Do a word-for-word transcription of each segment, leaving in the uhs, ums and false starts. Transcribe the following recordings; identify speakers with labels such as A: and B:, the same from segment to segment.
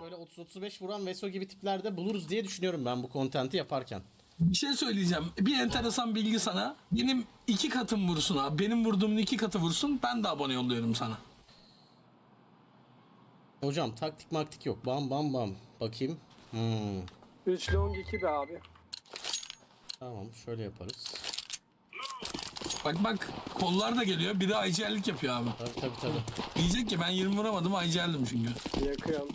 A: böyle otuz otuz beş vuran Veso gibi tiplerde buluruz diye düşünüyorum ben bu kontenti yaparken.
B: Bir şey söyleyeceğim. Bir enteresan bilgi sana. Benim iki katım vursun abi. Benim vurduğumun iki katı vursun. Ben de abone yolluyorum sana.
A: Hocam taktik maktik yok. Bam bam bam. Bakayım. Hmm.
C: üç long iki be abi.
A: Tamam şöyle yaparız.
B: Bak bak kollar da geliyor. Biri aycıellik yapıyor abi.
A: Tabii tabii tabii.
B: Diyecek ki ben yirmi vuramadım aycıeldim çünkü.
C: Yakıyorum.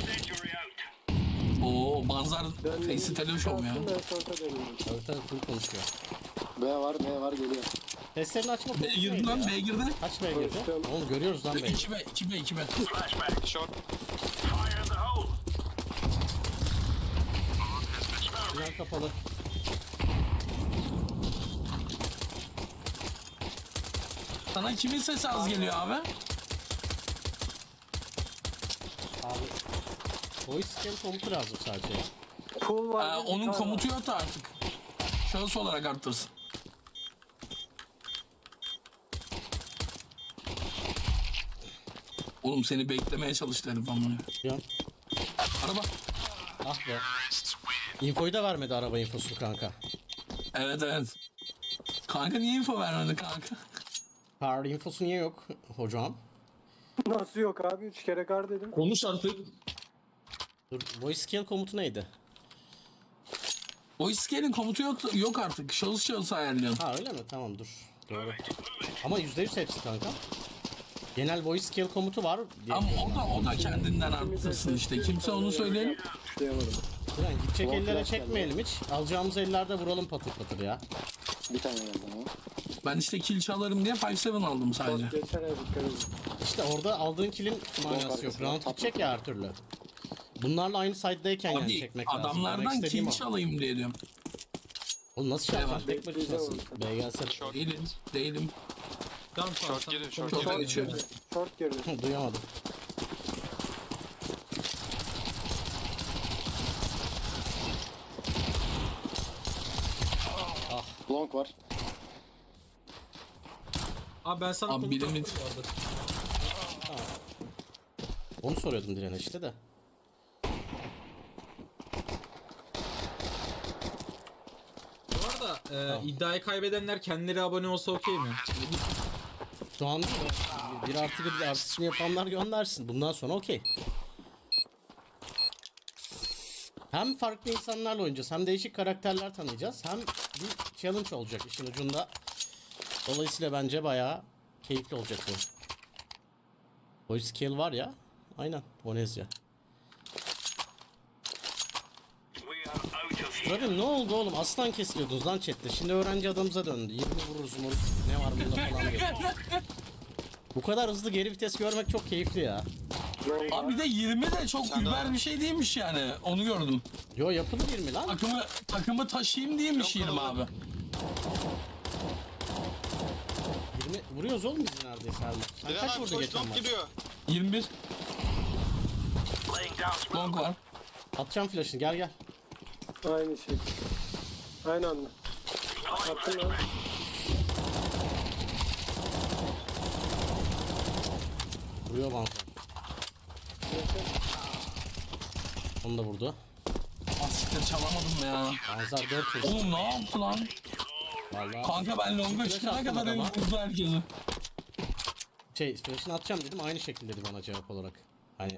B: Oo manzar face'i televizyon ya.
C: Ben sonra dönüyorum.
A: Tabii tabii full konuşuyor.
D: B var, B var geliyor.
A: Testlerini açma
B: B
A: konusu
B: girdi
A: neydi
B: lan
A: ya?
B: B girdi.
A: Kaç B'ye girdi?
C: Konuştum.
A: Oğlum görüyoruz lan B'yi.
B: iki B iki B iki B.
E: Flashback. Short. Fire in the hole.
A: Tünel kapalı.
B: Sana kimin sesi az geliyor abi?
A: Abi. Voice scan komutu lazım sadece.
C: Pool
B: Ee,
C: var. bir
B: onun
C: tane
B: komutu yok da artık. Şahıs olarak arttırsın. Oğlum seni beklemeye çalıştı herif ama.
A: Ya.
B: Araba.
A: Ah be. Infoyu da vermedi araba infosunu kanka.
B: Evet evet. Kanka niye info vermedi kanka?
A: Car infosu niye yok hocam?
C: var. Nasıl yok abi? üç kere kar dedim.
B: Konuş artık.
A: Dur, voice scan komutu neydi?
B: O iskenin komutu yok, yok artık. Şahıs şahıs ayarlıyorsun.
A: Ha öyle mi? Tamam dur. Doğru. Ama yüzde yüz hepsi kanka. Genel voice skill komutu var. diye
B: Ama
A: biliyorum
B: o da o da kendinden arttırsın işte. Kimse onu söyleyelim.
C: Duyamadım.
A: ben. Yani gidecek
C: Long
A: ellere
C: flash
A: çekmeyelim hiç. Alacağımız ellerde vuralım patır patır ya.
D: Bir tane geldi ama.
B: Ben işte kill çalarım diye beş yedi aldım sadece.
C: Short geçer ya dikkat edin.
A: İşte orada aldığın kill'in manası yok.
D: arkasına,
A: Round
D: tap
A: gidecek ya her türlü. Bunlarla aynı side'dayken yani
B: Abi
A: çekmek lazım. Demek
B: adamlardan
A: istediğim
B: kill
A: o.
B: çalayım diye diyorum.
A: Oğlum nasıl şey
B: var.
A: yapacaksın? Tek başınasın. B gelse.
B: Değilim. Değilim.
E: Short giriyor. Short
B: Çok da
E: giriyor.
B: geçiyor.
C: Short girdi.
A: Duyamadım.
D: Long var.
F: Abi ben sana
B: Abi
F: komut
B: birinin-
F: attım bu arada.
A: Onu soruyordum Diren'e işte de.
F: Bu arada e, iddiayı kaybedenler kendileri abone olsa okey mi?
A: Şu an değil mi? Bir artı bir artışını yapanlar göndersin. Bundan sonra okey. Hem farklı insanlarla oynayacağız, hem değişik karakterler tanıyacağız, hem bir challenge olacak işin ucunda. Dolayısıyla bence bayağı keyifli olacak bu. Voice skill var ya. Aynen. Bonezya.
E: We are out of here.
A: Zaten ne oldu oğlum? Aslan kesiliyordunuz lan chatte. Şimdi öğrenci adamıza döndü. yirmi vururuz mu? Ne var bunda falan diyor. Bu kadar hızlı geri vites görmek çok keyifli ya.
B: Abi bir de yirmi de çok über bir şey değilmiş yani. Onu gördüm.
A: Yo yapılır yirmi lan.
B: Takımı takımı taşıyayım değilmiş yirmi abi.
A: yirmi vuruyoruz oğlum biz neredeyse her maç. Sen
G: Diren
A: kaç
G: abi
A: vurdu
G: koş
A: geçen
G: long
A: maç?
G: gidiyor.
B: yirmi bir.
E: Laying down
B: Long
E: smoke.
B: var.
A: Atacağım flash'ını gel gel.
C: Aynı şey. Aynı anda. Attım lan.
A: Vuruyor bana. Onu da vurdu.
B: Asiktir çalamadım ya.
A: Anzar dört vurdu.
B: Oğlum ne yaptı lan?
A: Valla.
B: Kanka ben longa
A: Flash
B: çıkana
A: attım
B: kadar
A: adama.
B: vurdu herkesi.
A: Şey flash'ını atacağım dedim aynı şekilde dedi bana cevap olarak. Hani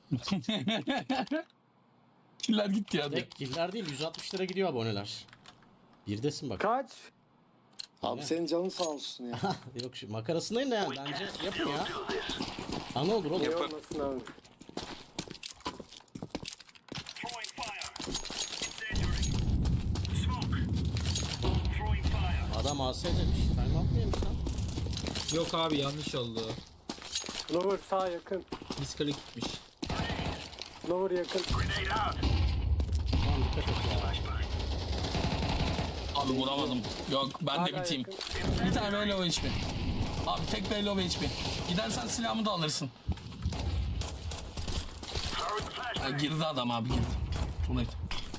B: Killer gitti ya.
A: tek killer değil yüz altmış lira gidiyor aboneler. Birdesin bak.
C: Kaç?
D: Abi senin canın sağ olsun ya.
A: Yok şu makarasındayım da yani bence yapın ya. Ana olur oğlum.
C: Ne olmasın abi.
E: Throwing fire. Incendiary. Smoke. Throwing fire.
A: Adam A S demiş. Time out mıymış lan?
F: Yok abi yanlış oldu.
C: Lower sağ yakın.
F: Miskalik gitmiş.
C: Lower yakın.
E: Grenade out.
A: Tamam dikkat et ya.
E: Flashbang.
B: Abi vuramadım. Yok ben de
C: Hala
B: biteyim.
C: yakın.
B: Bir tane öyle o H P. Abi tek belli o H P. Gidersen silahımı da alırsın.
E: Throwing
B: Ha,
E: flashbang.
B: girdi adam abi girdi. Too late.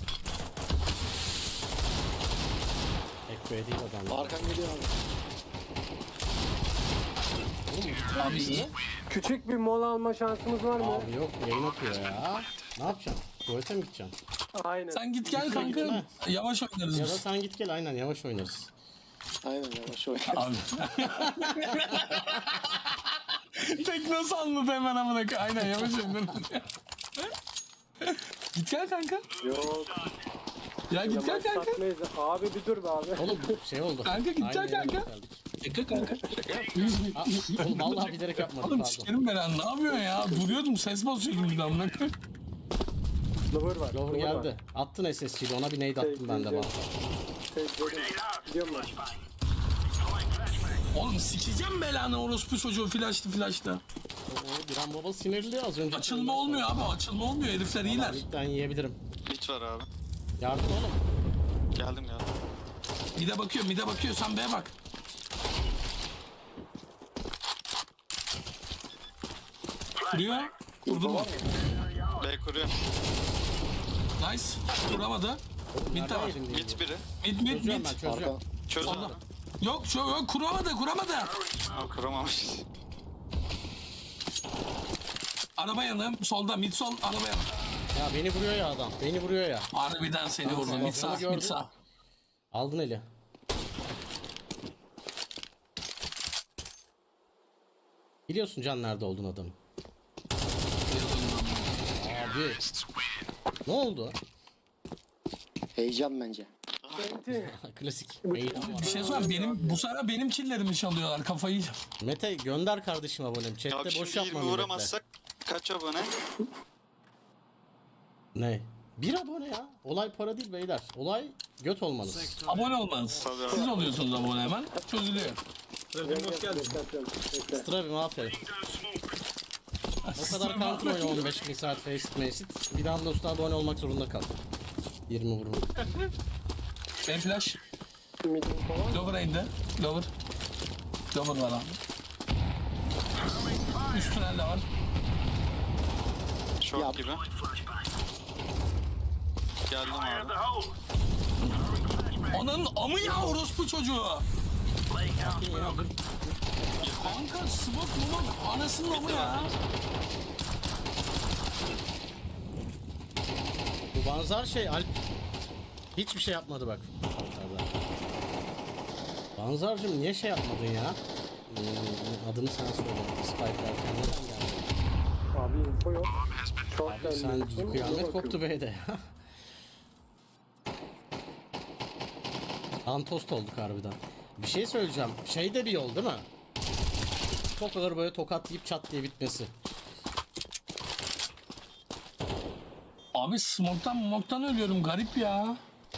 A: Tek B değil adam.
D: Arkan geliyor abi.
A: Oğlum gitme
B: Abi
A: bizi.
B: iyi.
C: Küçük bir mola alma şansımız var mı?
A: Abi yok yayın okuyor ya. Ne yapacaksın? Tuvalete mi gideceksin?
C: Aynen.
B: Sen git gel
A: Lütfen
B: kanka.
A: gitme.
B: Yavaş oynarız
A: Ya da
B: biz.
A: sen git gel aynen yavaş oynarız.
D: Aynen yavaş oyna.
B: Abi. Tek nasıl anladı hemen amına koyayım. Aynen yavaş oynarız. Git gel kanka.
C: Yok.
B: Ya git gel
C: Yamaç
B: kanka.
C: satmayız. Abi bir dur be abi.
A: Oğlum şey oldu.
B: Kanka gideceksin
A: Aynı yere
B: kanka.
A: geldik.
B: Şaka kanka.
A: Aa, oğlum vallahi bilerek yapmadım
B: Oğlum
A: pardon.
B: sikerim ben lan. Ne yapıyorsun ya? Duruyordum ses basıyordum bir de amına koyayım.
C: Lover var.
A: Lover geldi. Attın S S G'yi ona bir nade attım ben de bana.
C: Şey, dedim. Gidiyorum ben.
B: Oğlum sikeceğim belanı orospu çocuğu flaştı flaştı.
A: Oo, bir an baba sinirli az önce.
B: Açılma olmuyor abi açılma olmuyor herifler iyiler.
A: Ben yiyebilirim.
G: Hiç var abi.
A: Yardım oğlum.
G: Geldim geldim.
B: Mide bakıyor mide bakıyor sen B'ye bak. Kuruyor. Kurdu mu?
G: B kuruyor.
B: Nice. Kuramadı. Mid de var.
A: Nereden yedin
G: Git biri.
B: Mid mid
A: Çözüyorum
B: mid.
A: ben çözüyorum.
D: Arka.
G: Çöz
B: Allah.
G: abi.
B: Yok şu yok kuramadı kuramadı.
G: Aa, kuramamış.
B: Araba yanı solda mid sol araba yanı.
A: Ya beni vuruyor ya adam. Beni vuruyor ya.
B: Harbiden seni vurdu mid sağ
A: gördüm.
B: mid sağ.
A: Aldın eli. Biliyorsun Can nerede olduğunu adamın. Abi. Ne oldu?
D: Heyecan bence.
C: Enti.
A: Klasik. Heyecan var.
B: Bir şey söyleyeyim benim bu sefer benim killerimi çalıyorlar kafayı yiyeceğim.
A: Mete gönder kardeşim abonem.
G: Ya
A: Chat'te boş
G: şimdi
A: yapma
G: yirmi
A: milletle.
G: vuramazsak kaç abone?
A: Ne? Bir abone ya. Olay para değil beyler. Olay göt olmanız.
B: Abone olmanız.
G: Tabii abi.
B: Siz oluyorsunuz abone hemen. Çözülüyor.
F: Trabzon hoş geldin.
C: Bekle.
A: Strabim aferin. O kadar counter oyna on beş bin saat faceit mecit. Bir anda usta abone olmak zorunda kal. yirmi vurma.
B: Ben flash.
C: Midim falan.
B: Lower indi. Lower. Lower var abi. Üst tünelde var.
G: Şok
D: Yap.
G: gibi. Geldim abi.
E: The hole.
B: Onun amı ya orospu çocuğu. Kanka smoke mumak anasının amı ya.
A: Bu Banzar şey Alp hiçbir şey yapmadı bak. Banzar'cığım niye şey yapmadın ya? Hmm, adını sen söyle. Spike derken neden geldi?
C: Abi info yok. Çok
A: Abi sen kıyamet koptu B'de. Antost olduk harbiden. Bir şey söyleyeceğim. Şey de bir yol değil mi? Çok ağır böyle tokatlayıp çat diye bitmesi.
B: Abi smoke'tan moktan ölüyorum garip ya.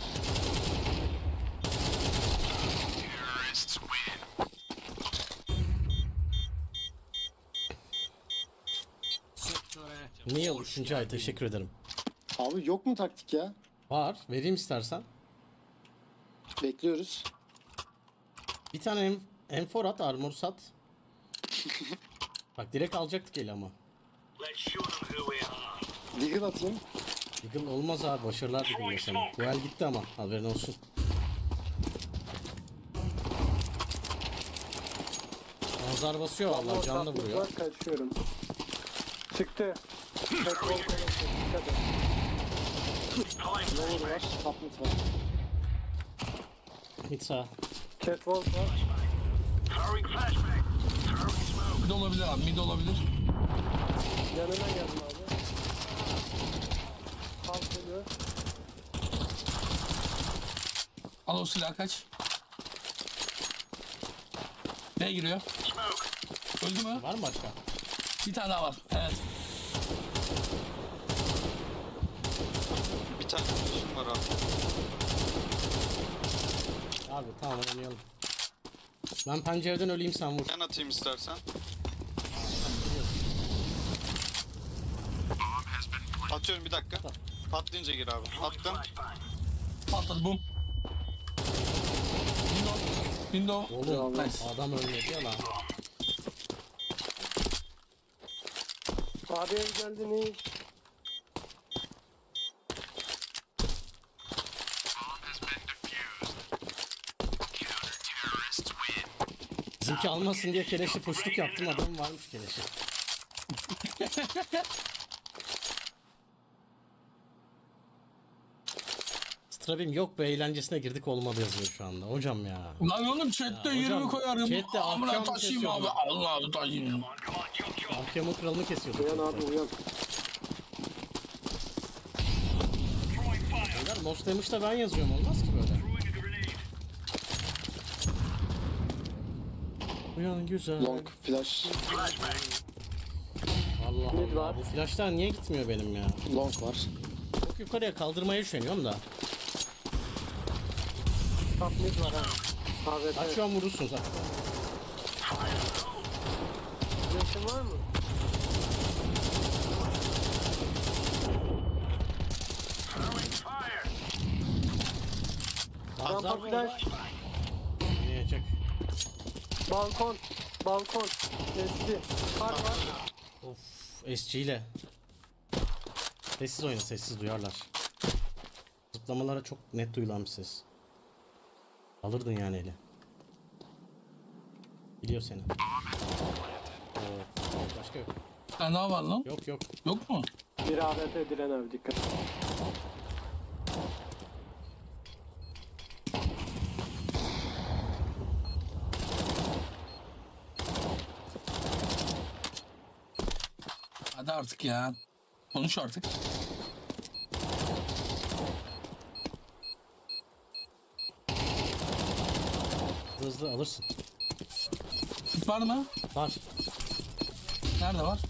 A: Neil üçüncü ay teşekkür ederim.
D: Abi yok mu taktik ya?
A: Var. Vereyim istersen.
D: Bekliyoruz.
A: Bir tane M M4 at, armor sat. Bak direkt alacaktık eli ama.
E: Let's show them who we are.
D: Deagle atayım.
A: Eagle olmaz abi. Başarılar diliyorum sana. Bu el gitti ama. Haberin olsun. Nazar basıyor vallahi. Canlı vuruyor.
C: Var, kaçıyorum. Çıktı. Tek bol dikkat et.
D: Lower var. Top mid var.
A: Hiç sağ.
C: Catwalk var.
E: Throwing flashbang. Throwing smoke.
B: Mid olabilir abi mid olabilir.
C: Yanına geldim abi. Halk geliyor.
B: Al o silahı kaç. B giriyor. Öldü mü?
A: Var mı başka?
B: Bir tane daha var. Evet.
G: Bir tane flash'ım var abi.
A: Abi tamam oynayalım. Ben pencereden öleyim sen vur.
G: Ben atayım istersen. Atıyorum bir dakika. Patlayınca gir abi. Attım.
B: Patladı bum. Window. Window.
A: Oğlum
B: Nice.
A: adam ölmedi ya lan.
C: Abi ev geldi ne?
A: Bizimki almasın diye keleşi puşluk yaptım adamın varmış keleşi. Strabim yok be, eğlencesine girdik olmadı yazıyor şu anda. Hocam ya.
B: Lan oğlum chatte
A: Ya
B: yirmi
A: hocam,
B: koyarım.
A: chatte
B: Amına
A: akşam
B: taşıyayım abi.
A: kesiyordum.
B: Allah'ım taşıyayım.
A: Ahkamın kralını kesiyorduk.
D: Uyan abi uyan.
A: Beyler Lost Damage'da ben yazıyorum, olmaz ki böyle. Uyan güzel.
D: Long flash.
A: Allah
C: Mid
A: Allah,
C: var.
A: bu flashlar niye gitmiyor benim ya?
D: Long var.
A: Çok yukarıya kaldırmaya üşeniyorum da.
C: Top mid var ha. Evet
A: Bak
C: evet.
A: şu an vurursun zaten.
C: Flash'ın var mı?
A: Bazar
C: Rampa flash.
A: Yiyecek.
C: Balkon. Balkon. Eski. Kar var.
A: Of, S G ile. Sessiz oyna, sessiz duyarlar. Zıplamalara çok net duyulan bir ses. Alırdın yani eli. Biliyor seni. Oo, başka yok.
B: Sen daha var lan.
A: Yok yok.
B: Yok mu?
C: Bir A W P Diren abi dikkat.
B: Hadi artık ya. Konuş artık.
A: Hızlı hızlı alırsın.
B: Tip var mı?
A: Var.
B: Nerede var?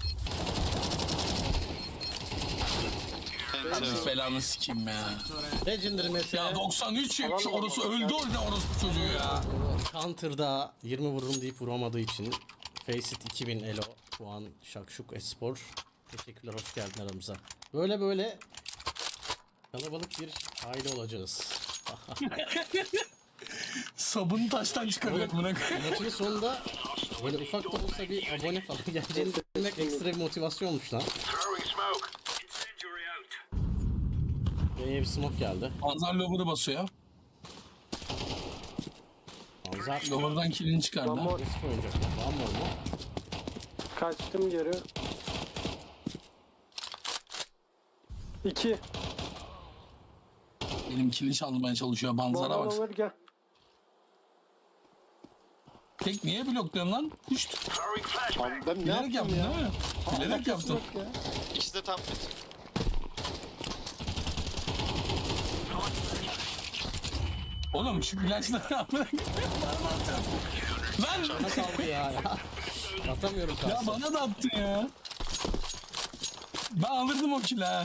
G: Enter.
B: Hadi belanı sikeyim ya.
A: Legendary Mete.
B: Ya doksan üç yapmış orası öldü orada orospu çocuğu ya.
A: Counter'da yirmi vururum deyip vuramadığı için Faceit iki bin elo puan Şakşuk Espor. Teşekkürler, hoş geldin aramıza. Böyle böyle kalabalık bir aile olacağız.
B: Sabunu taştan çıkarıyor buna.
A: Maçın sonunda böyle ufak da olsa bir abone falan geleceğini düşünmek ekstra bir motivasyon olmuş lan.
E: Throwing smoke. Incendiary out.
A: B'ye bir smoke geldi.
B: Panzer lover'ı basıyor.
A: Anzar
B: Lover'dan killini çıkardı.
C: One more.
A: Risk oynayacak. Var mı oldu?
C: Kaçtım geri. İki.
B: Benim killini çalmaya çalışıyor. Banzara
C: Bana
B: bak.
C: olur gel.
B: Tek niye blokluyorsun lan? Puşt.
E: Throwing flashbang.
D: Abi ben ne
B: Bilerek
D: yaptım
B: yaptın
D: ya?
B: değil mi? Bilerek
D: Alakası
B: yaptın.
D: yok ya.
G: İkisi de top mid.
B: Oğlum şu ilaçları amına koyayım. Lan
A: Nasıl aldı ya? ya? Atamıyorum
B: ya
A: karşı.
B: bana da attın ya. Ben alırdım o kill'i ha.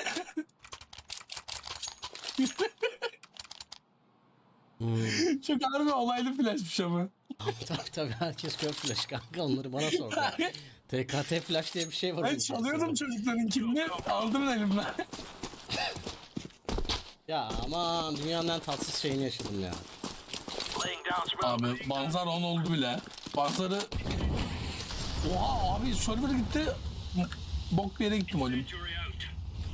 B: Çok harbi olaylı flashmış ama.
A: Tabii tabii, herkes kör flash kanka, onları bana sordu. T K T flash diye bir şey var.
B: Ben
A: onun
B: çalıyordum
A: içerisinde.
B: çocukların killini. Aldım elimden.
A: Ya aman, dünyanın en tatsız şeyini yaşadım ya.
E: Laying down smoke.
B: Abi Banzar on oldu bile. Banzar'ı... Oha abi server gitti. Bok bir yere gittim oğlum.
E: Incendiary out.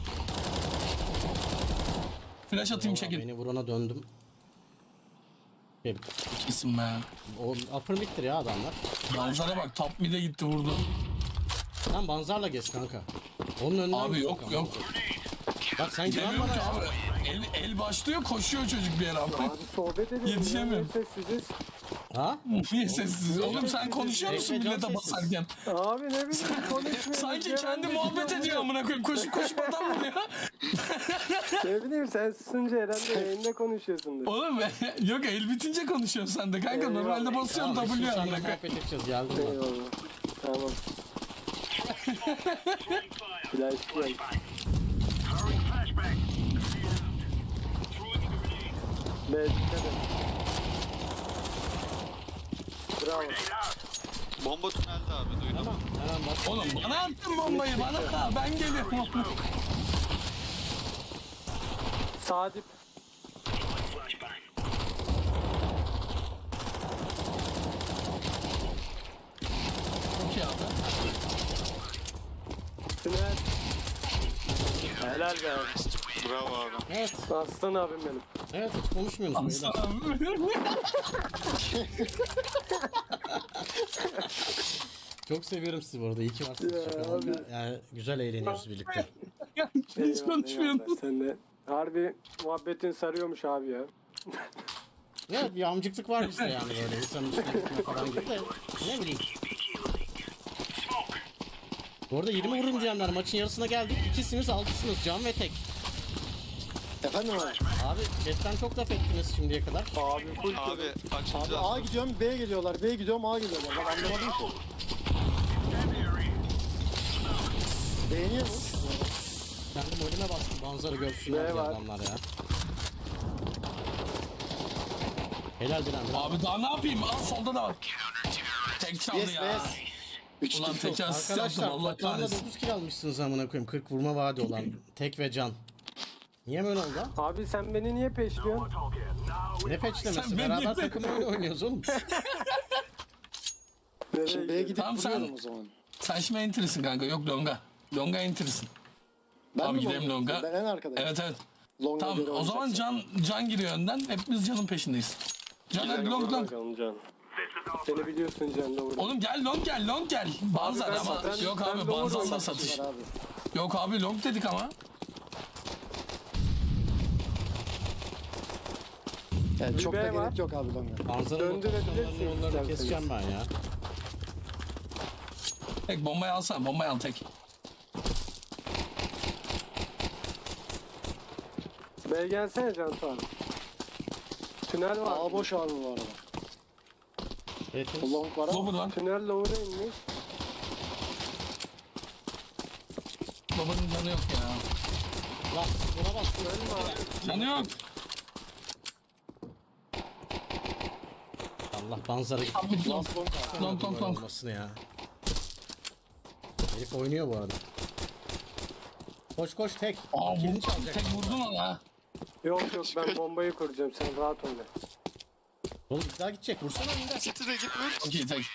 B: Flash atayım
A: Vallahi
B: çekin.
A: beni vurana döndüm. Şey,
B: Kesin be.
A: o upper mid'tir ya adamlar.
B: Banzar'a bak top mid'e gitti vurdu.
A: Sen Banzar'la gez kanka. Onun önünden
B: Abi
A: git
B: yok
A: bakalım.
B: yok.
A: Bak sen güven
B: Demiyorum
A: bana
B: ki
A: ya.
B: abi. El, el başlıyor koşuyor çocuk bir yere abi.
C: Abi sohbet edelim.
B: Yetişemiyorum.
C: Ya, sessiziz.
A: Ha?
B: Niye sessiz? Oğlum sen konuşuyor musun
A: Bekle,
B: millete
A: can
B: basarken?
C: Abi ne bileyim konuşmuyoruz.
B: Sanki
C: ya,
B: kendi
C: ben de
B: muhabbet
C: gidiyorum
B: ediyor amına koyayım. Koşup koşup adam vuruyor.
C: Ne bileyim sen susunca herhalde yayında konuşuyorsundur.
B: Oğlum yok el bitince konuşuyorsun sen de kanka.
C: Eyvallah.
B: Normalde basıyorsun
A: Tamam,
B: W
A: biz
B: amına
A: seninle
B: koyayım.
A: muhabbet edeceğiz, geldim ben.
C: Eyvallah. Tamam. Flash gel.
E: Throwing flashbang. Throwing a grenade.
C: B dikkat et. Bravo.
E: Grenade out.
G: Bomba tünelde abi duydum.
A: Tamam, hemen bak.
B: Oğlum bana attın bombayı bana. Ha, ben geliyorum.
C: Sağ dip.
E: Flashbang.
B: Çok iyi abi.
C: Tünel. Helal be.
G: Bravo abi.
A: Evet,
C: Aslan abim benim.
A: evet, hiç konuşmuyorsunuz beyler.
B: Aslanım.
A: Çok seviyorum sizi bu arada. İyi ki varsınız.
C: Ya
A: Şaka
C: abi.
A: maka. Yani güzel eğleniyoruz birlikte.
B: Hiç
C: Eyvallah,
B: konuşmuyorum.
C: eyvallah. Sen de harbi muhabbetin sarıyormuş abi ya.
A: Evet bir amcıklık var bizde yani böyle insanın üstüne gitme falan gibi de ne bileyim. Bu arada yirmi vururum diyenler maçın yarısına geldik. İkisiniz altısınız can ve tek.
D: Efendim abi.
A: Abi chatten çok laf ettiniz şimdiye kadar.
C: Abi full
G: Abi
C: kere.
G: açılacağız.
D: Abi A gidiyorum B'ye geliyorlar. B'ye gidiyorum A geliyorlar. Ben anlamadım ki. Beğeniyor mu?
A: Kendim önüme bastım manzara görsünler
C: Ne
A: diye
C: var?
A: adamlar ya. Helal Diren. bravo.
B: Abi daha ne yapayım? Al solda da var. Tek çaldı
D: Yes
B: ya.
D: yes. üç
B: Ulan
D: kill.
B: tek asist yaptım
A: Arkadaşlar
B: Allah
A: toplamda
B: kahretsin.
A: dokuz kill almışsınız amına koyayım. kırk vurma vaadi olan tek ve can. Niye böyle oldu?
C: Abi sen beni niye peşliyorsun?
A: Ne peçlemesi?
B: Sen
A: Beraber
B: beni-
A: takım oyunu oynuyoruz oğlum.
C: Nereye
D: Şimdi B'ye
C: gidiyorsun?
D: gidip
B: Tamam, sen-
D: vuruyorum o zaman.
B: Sen şimdi enter'ısın kanka. Yok longa. Longa enter'ısın.
D: Ben
B: Abi
D: mi
B: gidelim
D: longa?
B: longa.
D: Ben en arkadayım.
B: Evet evet.
D: Longa
B: Tamam
D: geri
B: o zaman
D: oynayacaksın.
B: Can Can giriyor önden. Hepimiz Can'ın peşindeyiz. Can hadi long long.
C: Bakalım Can. Seni biliyorsun Can doğru.
B: Oğlum gel long gel long gel. Banzar
C: ben-
B: ama.
C: ben-
B: Yok
C: ben
B: abi
C: lower
B: Banzar'la
C: oynadım.
B: satış.
D: Var abi.
B: Yok abi long dedik ama.
D: Yani çok
C: B
D: da
C: var.
D: gerek yok abi longa.
A: Manzara
C: Döndürebilirsin
A: rotasyonlarının yollarını
C: isterseniz.
A: keseceğim ben ya.
B: Tek bombayı alsana. Bombayı al tek.
C: B'ye gelsene Can abi. Tünel var.
D: A boş abi bu arada.
A: Evet.
D: O long var ama.
B: Lower var.
C: Tünel lower'a inmiş.
B: Lower'ın canı yok ya.
A: Lan buna bak.
B: Canı yok.
A: Allah manzara gitti.
B: Abi long.
D: Last long var.
B: Long long long.
A: Olmasını ya. Herif oynuyor bu arada. Koş koş tek.
B: Aa
A: Kilini
B: bu
A: çalacak.
B: tek vurdun ona.
C: Yok yok ben bombayı kuracağım sen rahat oyna.
A: Oğlum bir daha gidecek. Vursana önünde.
G: City'de git vur.
B: Okey tek.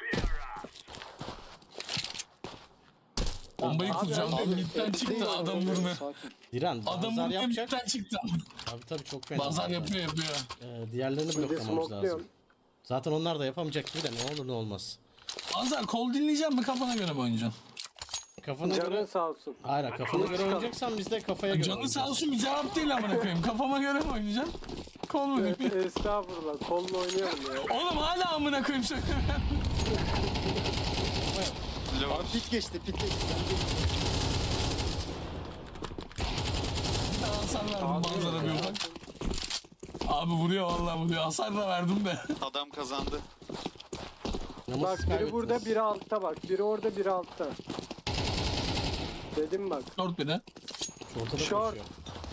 B: Bombayı kuracağım.
C: abi,
B: Midden çıktı adam vurmuyor.
D: Sakin.
A: Diren
B: Adam
A: bazar
B: vurmuyor
A: yapacak.
B: midden çıktı.
A: Tabii tabii çok fena.
B: Bazar
A: zaten.
B: yapıyor yapıyor.
A: Ee, diğerlerini
C: Bir de
A: bloklamamız lazım.
C: smokluyorum.
A: Zaten onlar da yapamayacak gibi de ne olur ne olmaz.
B: Bazar kol dinleyeceğim mi kafana göre mi oynayacaksın?
A: Kafana
C: Canın
A: göre...
C: sağ olsun.
A: Hayır kafana göre oynayacaksan biz de kafaya göre
B: Canı sağ
A: oynayacağız.
B: olsun bir cevap değil amına koyayım. Kafama göre mi oynayacağım? Kol mu?
C: Estağfurullah kolla oynayalım ya.
B: Oğlum hala amına koyayım söylüyorum.
G: Lower.
D: Pit geçti pit geçti.
B: Bir daha hasar verdim Bazar'a bir ufak. Abi vuruyor vallahi vuruyor. Hasar da verdim de.
G: Adam kazandı.
A: Ama
C: Bak
A: siz
C: biri
A: kaybettiniz.
C: burada biri altta bak. Biri orada biri altta. Dedim bak.
B: Short bir de.
A: Ortada
C: Short.
A: koşuyor.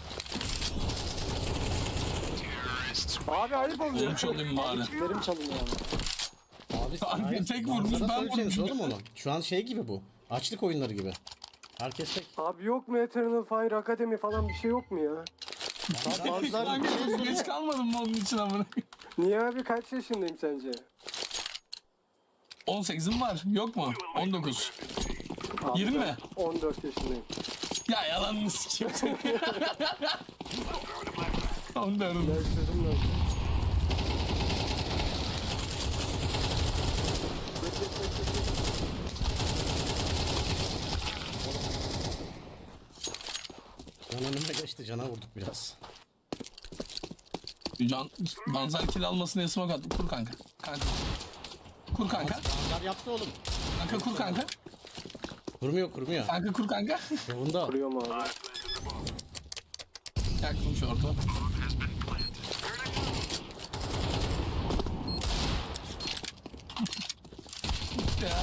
C: Abi ayıp oluyor.
B: Onu çalayım bari.
D: Kitlerim çalınıyor ama.
A: Abi
B: Kanka
A: hayır,
B: tek
A: manzara
B: vurmuş, ben
A: söyleyeceğiniz
B: vurmuşum.
A: oğlum onu. Şu an şey gibi bu. Açlık oyunları gibi. Herkes tek.
C: Abi yok mu Eternal Fire Academy falan bir şey yok mu ya?
D: Bazılar bir şey
B: Kanka
D: soruyor.
B: geç kalmadım mı onun için amına koyayım?
C: Niye abi kaç yaşındayım sence?
B: on sekizim var. Yok mu? on dokuz.
C: Abi
B: yirmi
C: ben
B: mi?
C: on dört yaşındayım.
B: Ya yalanını sikeyim. on dört.
C: Ben sözüm yok.
A: Can önüme geçti. Cana vurduk biraz.
B: Can, Banzar kill almasını esmak attı. Kur kanka. Kanka. Kur kanka.
A: Manzar yaptı oğlum.
B: Kanka kur kanka.
A: Kurmuyor kurmuyor.
B: Kanka kur kanka.
A: Yolunda.
C: Kuruyorum abi.
B: Yaktım şortu. Ya.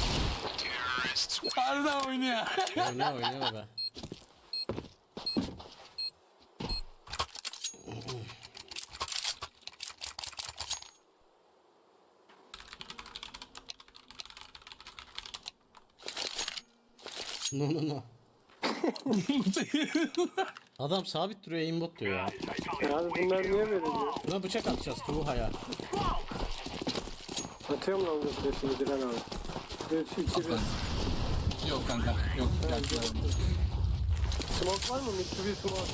B: Harbiden oynuyor.
A: Oynuyor oynuyor be. No no no. Adam sabit duruyor aimbot diyor ya.
C: Abi bunlar niye böyle diyor?
A: Buna bıçak atacağız Tuğha'ya.
C: Atıyorum lan bu flash'ını Diren abi. üç, iki, bir.
B: Yok kanka. Yok. Yaktılar.
C: Smoke var mı? Mitsubishi smoke.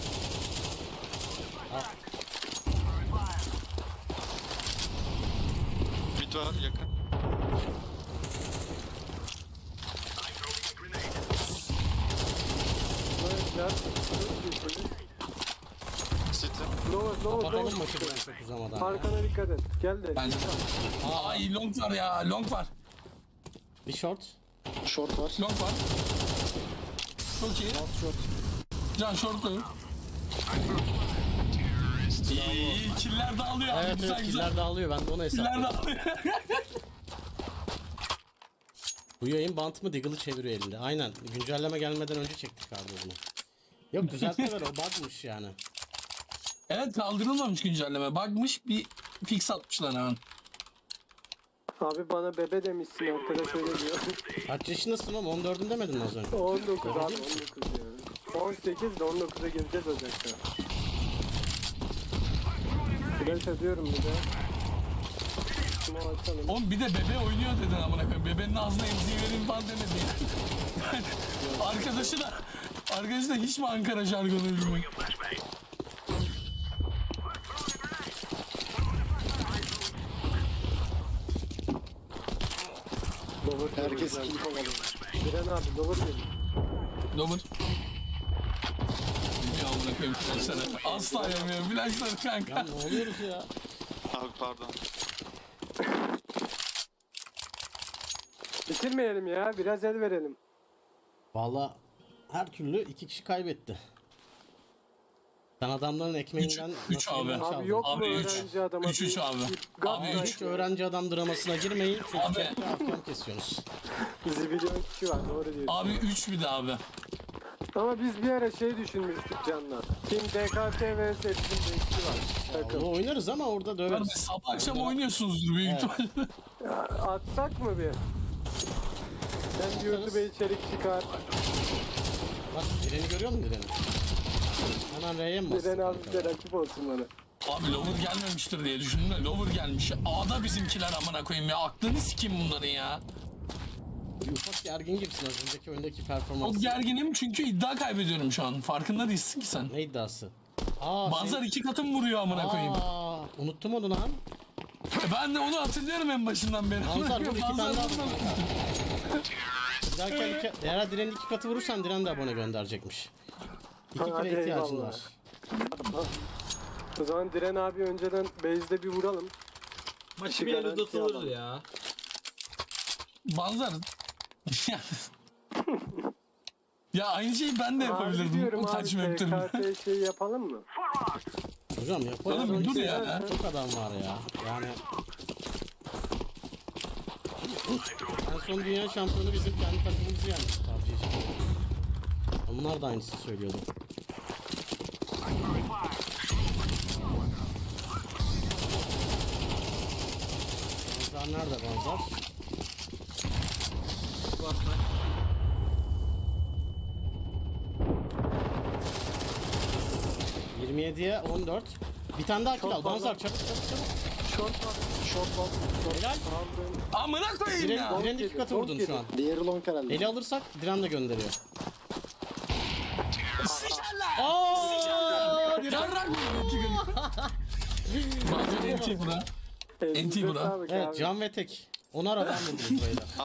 G: Mid var yakın.
C: Helal. Çok iyi.
G: City.
C: Lower, lower,
A: Kapatalım
C: lower.
A: maçı ben çok uzamadan. ya.
C: Arkana dikkat et. Gel de.
B: Bence de. Ay long var ya, long var.
A: Bir short.
D: Short var.
B: Long var. Çok iyi.
D: Alt short.
B: Can shortlayın. İyi, iyi. Killer dağılıyor abi.
A: Evet
B: Güzel
A: evet
B: güzel.
A: killer dağılıyor ben de onu
B: Killer
A: hesaplıyorum.
B: dağılıyor.
A: Bu yayın bant mı Diggle'ı çeviriyor elinde. Aynen güncelleme gelmeden önce çektik abi bunu. Yok düzeltmeler o bug'mış yani.
B: Evet kaldırılmamış güncelleme. Bakmış bir fix atmışlar hemen.
C: Abi bana bebe demişsin arkadaş öyle diyor.
A: Kaç yaşındasın oğlum? on dördün demedin mi az önce?
C: on dokuz abi on dokuz diyorum. on sekiz de on dokuza gireceğiz Ocak'ta. Flash ediyorum bir de. Şunu açalım.
B: Oğlum bir de bebe oynuyor dedin amına koyayım. Bebenin ağzına emziği vereyim falan demedi ya. Arkadaşı da arkadaşı da hiç mi Ankara jargonu bilmiyor?
C: Lower
D: Herkes
C: diyoruz
D: kill kovalıyor.
C: yani. Biren abi lower diyor.
B: Dober. Bilmiyor amına koyayım flashları. Asla yemiyor flashları kanka.
A: Ya ne oluyoruz ya?
G: Abi pardon.
C: Bitirmeyelim ya biraz el verelim.
A: Valla her türlü iki kişi kaybetti. Sen adamların ekmeğinden
B: Üç- üç abi.
A: nasibini çaldın.
C: Abi yok mu
B: Abi üç.
C: öğrenci adama?
B: Üç üç
C: bir-
B: abi.
C: bir gaz
B: Abi
A: Ama
C: ver.
A: hiç öğrenci adam dramasına girmeyin çünkü
B: Abi.
A: chatte ahkam kesiyorsunuz.
C: Zibilyon kişi var doğru diyorsun.
B: Abi üç bir de abi.
C: Ama biz bir ara şey düşünmüştük Can'la. Team D K T vs Team D K var. Takım.
A: Onu oynarız ama orada
B: Abi
A: döveriz.
B: sabah akşam oynuyorsunuzdur büyük ihtimalle.
C: Atsak mı bir? Sen YouTube'a içerik çıkar.
A: Bak Diren'i görüyor musun Diren'i? Hemen R'ye mi bastın?
C: Diren abi
A: kanka?
C: bize rakip olsun bana.
B: Abi Lover gelmemiştir diye düşündüm de Lover gelmiş. A'da bizimkiler amına koyayım ya. Aklını sikeyim bunların ya.
A: Ufak gergin gibisin az önceki oyundaki
B: Çok
A: performans.
B: gerginim çünkü iddia kaybediyorum şu an. Farkında değilsin ki sen.
A: Ne iddiası? Aa,
B: Banzar
A: şey-
B: iki katım vuruyor amına koyayım.
A: Aa, unuttum onu lan.
B: E ben de onu hatırlıyorum en başından beri.
A: Banzar vur iki tane
B: Banzar
A: daha.
B: vurmadı.
A: Bir dahaki iki, eğer Diren'in iki katı vurursan Diren de abone gönderecekmiş. İki
C: Hadi
A: kere ihtiyacın
C: eyvallah.
A: var.
C: O zaman Diren abi önceden base'de bir vuralım.
F: Maçı bir yere
C: Garanti
F: uzatılır
C: alalım.
F: ya.
B: Banzar. Ya aynı şeyi ben de
C: Abi
B: yapabilirdim.
C: diyorum
B: O
C: abi
B: kaç
C: T
B: map'tir.
C: K T şey yapalım mı?
A: Hocam yaparız.
B: Oğlum dur
A: Öyle
B: ya.
A: Çok adam var ya. Yani en son dünya şampiyonu bizim kendi takımımızı yenmiş P U B G'ci. Onlar da aynısını söylüyordu. Banzar nerede Banzar?
F: Bakma.
A: yirmi yediye on dört. Bir tane daha kill al.
C: Çok fazla.
A: Banzar çabuk çabuk çabuk.
C: Short var. Short var. Short.
A: Helal.
C: Aldım.
B: Amına koyayım
A: Diren,
B: ya.
A: Diren'in iki katı
C: Long
A: vurdun
C: yedi.
A: şu an.
D: Diğeri long herhalde.
A: Eli alırsak Diren de gönderiyor.
B: Sıçarlar.
A: Aaa!
B: Yarrak mı? Banzar enti bura.
C: Elinize
B: N T bura.
C: sağlık
A: Evet
C: abi.
A: Can ve Tek. Onar adam vurdunuz beyler.